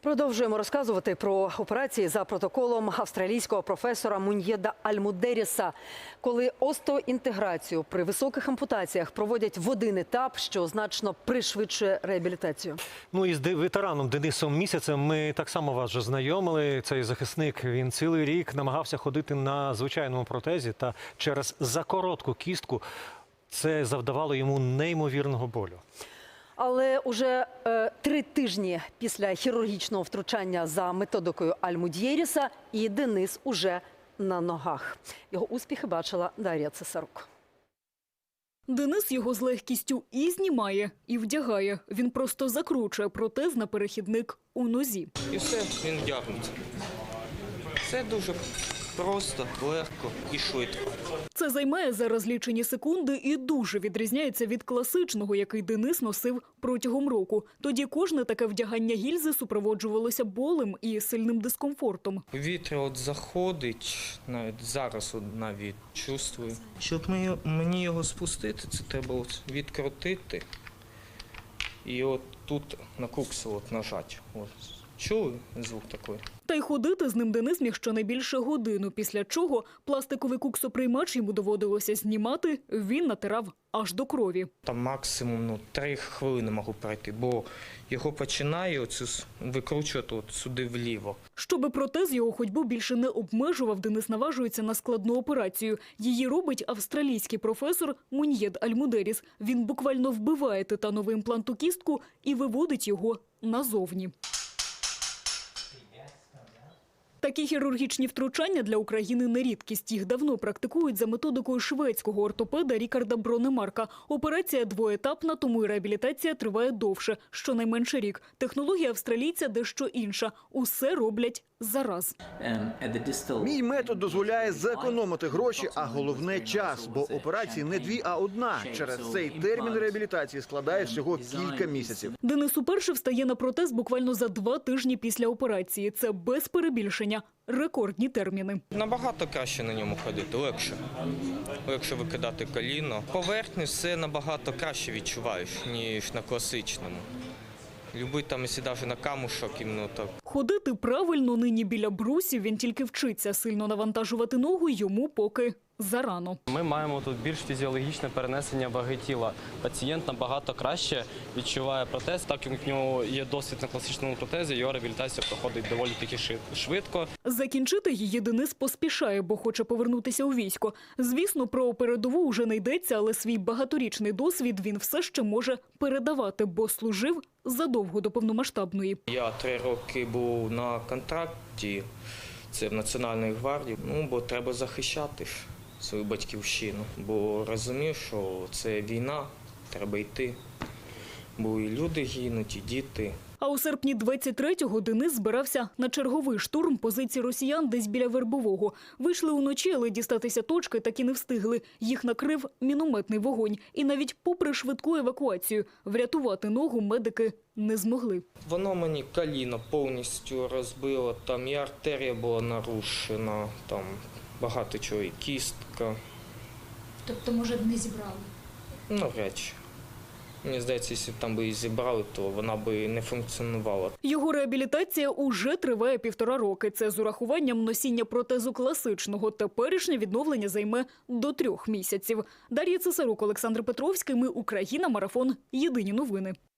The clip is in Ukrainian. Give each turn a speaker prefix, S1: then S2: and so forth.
S1: Продовжуємо розказувати про операції за протоколом австралійського професора Муньєда Аль-Мудеріса, коли остеоінтеграцію при високих ампутаціях проводять в один етап, що значно пришвидшує реабілітацію.
S2: Ну і з ветераном Денисом Місяцем ми так само вас вже знайомили. Цей захисник, він цілий рік намагався ходити на звичайному протезі, та через закоротку кістку це завдавало йому неймовірного болю.
S1: Але уже 3 тижні після хірургічного втручання за методикою Аль-Мудеріса і Денис уже на ногах. Його успіхи бачила Дар'я Цесарук.
S3: Денис його з легкістю і знімає, і вдягає. Він просто закручує протез на перехідник у нозі.
S4: І все, він вдягнеться. Все дуже просто, легко і швидко.
S3: Це займає зараз лічені секунди і дуже відрізняється від класичного, який Денис носив протягом року. Тоді кожне таке вдягання гільзи супроводжувалося болем і сильним дискомфортом.
S4: Повітря от заходить, навіть зараз навіть чувствую. Щоб мені його спустити, це треба от відкрутити і от тут на куксу от нажати. От. Чули звук такий?
S3: Та й ходити з ним Денис міг щонайбільше годину, після чого пластиковий куксоприймач йому доводилося знімати, він натирав аж до крові.
S4: Там максимум 3 хвилини можу пройти, бо його починає викручувати от сюди вліво.
S3: Щоби протез його ходьбу більше не обмежував, Денис наважується на складну операцію. Її робить австралійський професор Муньєд Аль-Мудеріс. Він буквально вбиває титановий імплант у кістку і виводить його назовні. Такі хірургічні втручання для України не рідкість. Їх давно практикують за методикою шведського ортопеда Рікарда Бронемарка. Операція двоетапна, тому і реабілітація триває довше, щонайменше рік. Технологія австралійця дещо інша. Усе роблять зараз.
S5: Мій метод дозволяє зекономити гроші, а головне – час, бо операції не 2, а 1. Через цей термін реабілітації складає всього кілька місяців.
S3: Денис уперше встає на протез буквально за 2 тижні після операції. Це без перебільшення. Рекордні терміни.
S4: Набагато краще на ньому ходити, легше. Легше викидати коліно. Поверхню все набагато краще відчуваєш, ніж на класичному. Любий там, якщо навіть на камушок, іменно так.
S3: Ходити правильно нині біля брусів він тільки вчиться. Сильно навантажувати ногу йому поки зарано.
S6: Ми маємо тут більш фізіологічне перенесення ваги тіла. Пацієнт набагато краще відчуває протез, так як в нього є досвід на класичному протезі, його реабілітація проходить доволі таки швидко.
S3: Закінчити її Денис поспішає, бо хоче повернутися у військо. Звісно, про передову вже не йдеться, але свій багаторічний досвід він все ще може передавати, бо служив задовго до повномасштабної.
S4: Я 3 роки був на контракті, це в Національній гвардії, бо треба захищати свою батьківщину, бо розумів, що це війна, треба йти, бо і люди гинуть, і діти.
S3: А у серпні 23-го Денис збирався на черговий штурм позицій росіян десь біля Вербового. Вийшли уночі, але дістатися точки так і не встигли. Їх накрив мінометний вогонь. І навіть попри швидку евакуацію врятувати ногу медики не змогли.
S4: Воно мені коліно повністю розбило, там і артерія була нарушена, там багато чого, і кістка.
S7: Тобто, може, не зібрали?
S4: Навряд чи. Мені здається, якщо б там би її зібрали, то вона би не функціонувала.
S3: Його реабілітація уже триває 1,5 роки. Це з урахуванням носіння протезу класичного. Теперішнє відновлення займе до 3 місяців. Дар'я Цесарук, Олександр Петровський. Ми Україна. Марафон. Єдині новини.